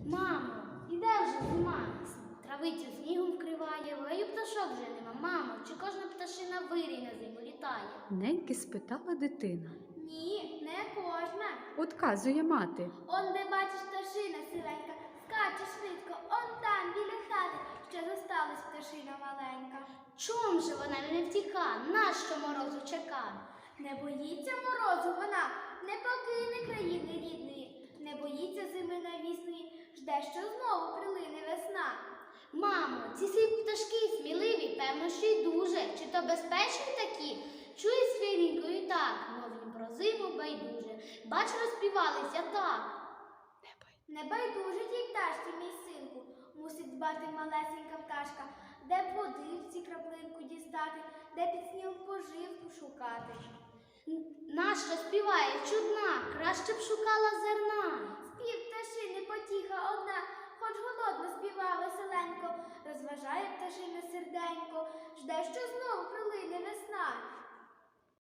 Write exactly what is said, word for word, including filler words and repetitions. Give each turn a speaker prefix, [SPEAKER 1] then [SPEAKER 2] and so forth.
[SPEAKER 1] Мамо, іде вже зима. Травицю снігом вкриває, в гаю пташок вже нема. Мамо, чи кожна пташина вирій на зиму літає?
[SPEAKER 2] Неньки спитала дитина.
[SPEAKER 1] Ні, не кожна.
[SPEAKER 2] Отказує мати.
[SPEAKER 1] Он, де бачиш пташина сивенька, скаче швидко, он там, біля хати, ще зосталась пташина маленька. Чом же вона не втіка, нащо морозу чека? Не боїться морозу вона, не покине країни рідної, не боїться зими навісної, жде, що знову прилине весна. Мамо, ці сиві пташки сміливі, певно, що й дуже. Чи то безпечні такі? Чує свирінькою так, мов їм про зиму байдуже. Бач, розпівалися так. Не байдуже тій пташці, мій синку, мусить дбати малесенька пташка, де б води в ці краплинку дістати, де під снігом поживку шукати. Нащо співає чудна, краще б шукала зерна. Спів пташини потіха одна, хоч голодно співає веселенько, розважає пташина серденько, жде, що